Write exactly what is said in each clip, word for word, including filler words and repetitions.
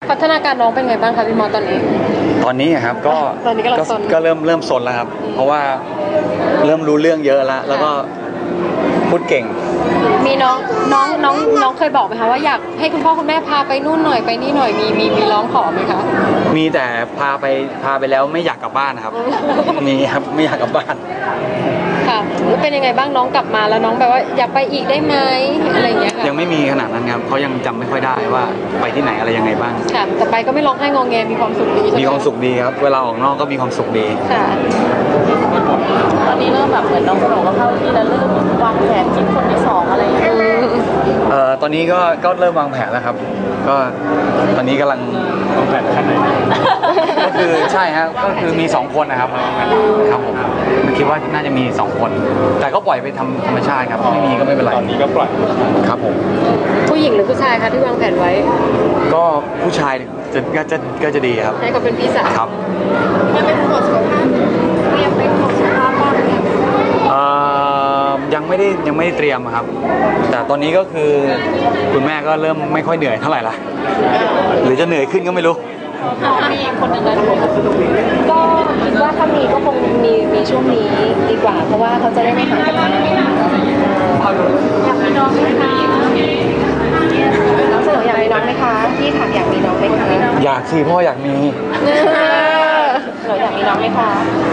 พัฒนาการน้องเป็นไงบ้างคะพี่มอตอนนี้ตอนนี้ครับก็ตอนนี้ก็ก็เริ่มเริ่มซนแล้วครับเพราะว่าเริ่มรู้เรื่องเยอะแล้วแล้วก็พูดเก่งมีน้องน้องน้องน้องเคยบอกไหมคะว่าอยากให้คุณพ่อคุณแม่พาไปนู่นหน่อยไปนี่หน่อยมีมีมีร้องขอไหมคะมีแต่พาไปพาไปแล้วไม่อยากกลับบ้านครับมีครับไม่อยากกลับบ้านค่ะเป็นยังไงบ้างน้องกลับมาแล้วน้องแบบว่าอยากไปอีกได้ไหมอะไรอย่างเงี้ยค่ะยังไม่มีขนาดนั้นครับเขายังจำไม่ค่อยได้ว่าไปที่ไหนอะไรยังไงบ้างค่ะแต่ไปก็ไม่ร้องไห้งอแงมีความสุขดีมีความสุขดีครับเวลาออกนอกก็มีความสุขดีค่ะตอนนี้เริ่มแบบเหมือนน้องสโหน่ก็เข้าที่แล้วเริ่มวางแผนคิดคนที่สองอะไรอย่างเงี้ยเอ่อตอนนี้ก็ก็เริ่มวางแผนแล้วครับก็ตอนนี้กำลังวางแผนขั้นไหนก็คือใช่ฮะก็คือมีสองคนนะครับครับผมคิดว่าน่าจะมีสองคนแต่ก็ปล่อยไปทำธรรมชาติครับไม่มีก็ไม่เป็นไรตอนนี้ก็ปล่อยครับผมผู้หญิงหรือผู้ชายคะที่วางแผนไว้ก็ผู้ชายจะก็จะก็จะดีครับให้เขาเป็นพี่สาวครับยังเป็นตรวจสุขภาพเตรียมไปตรวจสุขภาพบ้างไหมเอ่อยังไม่ได้ยังไม่ได้เตรียมครับแต่ตอนนี้ก็คือคุณแม่ก็เริ่มไม่ค่อยเหนื่อยเท่าไหร่ละหรือจะเหนื่อยขึ้นก็ไม่รู้มีคนหนึ่งแล้วก็คิดว่าถ้ามีก็คงมีมีช่วงนี้ดีกว่าเพราะว่าเขาจะได้ไม่ห่างกันมากอยากมีน้องไหมคะน้องเสนออยากมีน้องไหมคะพี่ถามอยากมีน้องไหมคะอยากสิพ่ออยากมีเราอยากมีน้องไหมคะ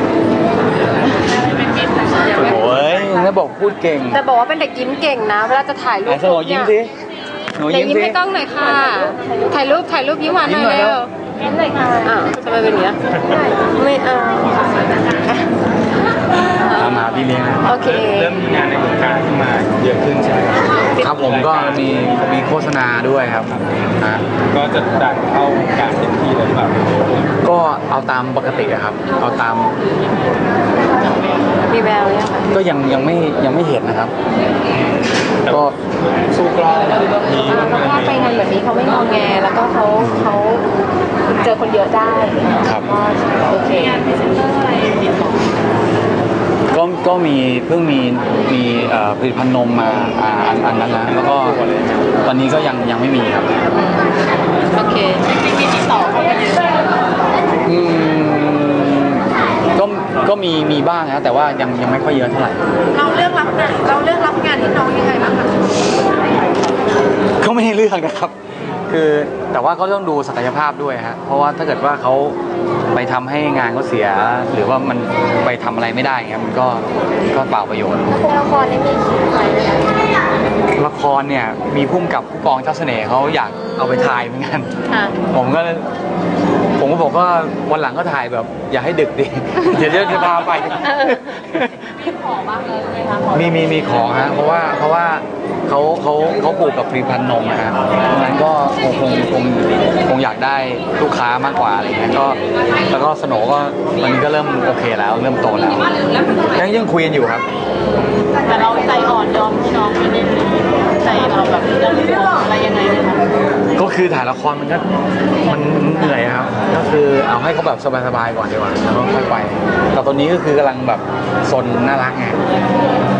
โอ้ยแล้วบอกพูดเก่งแต่บอกว่าเป็นเด็กยิ้มเก่งนะเวลาจะถ่ายรูปสโหน่ยิ้มสิหนูยิ้มสิยิ้มให้กล้องหน่อยค่ะถ่ายรูปถ่ายรูปยิ้มหวานหน่อยเร็วยิ้มหน่อยค่ะอ้าวทำไมเป็นอย่างนี้ไม่เอาตามหาพี่เลี้ยงโอเคเริ่มมีงานในวงการขึ้นมาเยอะขึ้นใช่ไหมครับผมก็มีมีโฆษณาด้วยครับฮะก็จะดันเข้าวงการเต็มที่เลยแบบก็เอาตามปกติครับเอาตามมีแววยังคะก็ยังยังไม่ยังไม่เห็นนะครับก็สู้กล้องมีถ้าไปงานแบบนี้เขาไม่งอแงแล้วก็เขาเขาเจอคนเยอะได้ครับโอเคก็ก็มีเพิ่งมีมีผลิตภัณฑ์นมมาอ่าอันนั้นนะแล้วก็ตอนนี้ก็ยังยังไม่มีครับโอเคจริงๆมีที่สองเขาเป็นอืมก็ก็มีมีบ้างนะแต่ว่ายังยังไม่ค่อยเยอะเท่าไหร่เราเลือกรับงานเราเลือกรับงานที่น้องยังไงบ้างคะเขาไม่ให้เลือกนะครับคือแต่ว่าก็ต้องดูศักยภาพด้วยฮะเพราะว่าถ้าเกิดว่าเขาไปทำให้งานเขาเสียหรือว่ามันไปทำอะไรไม่ได้เงี้ยมันก็ก็เปล่าประโยชน์ละครนี่มีใครละครเนี่ยมีพุ่มกับผู้กองเจ้าเสน่ห์เขาอยากเอาไปถ่ายเหมือนกันผมก็ผมก็บอกว่าวันหลังก็ถ่ายแบบอย่าให้ดึกดิเดี๋ยวจะพาไปมีขอบ้างเลยไหมคะมีมีมีขอฮะเพราะว่าเพราะว่าเขาเขาเขาปลูกกับผลิตภัณฑ์นมนะฮะนั้นก็คงคงคงคงอยากได้ลูกค้ามากกว่าอะไรเงี้ยก็แล้วก็สโหน่ก็ตอนนี้ก็เริ่มโอเคแล้วเริ่มโตแล้วยังยังคุยกันอยู่ครับแต่เราใจอ่อนยอมให้น้องไม่ได้ใจเราแบบจะรู้อะไรยังไงไหมคะก็คือถ่ายละครมันก็มันเหนื่อยครับก็คือเอาให้เขาแบบสบายๆก่อนดีกว่าแล้วก็ค่อยไปแต่ตอนนี้ก็คือกำลังแบบซนน่ารักไง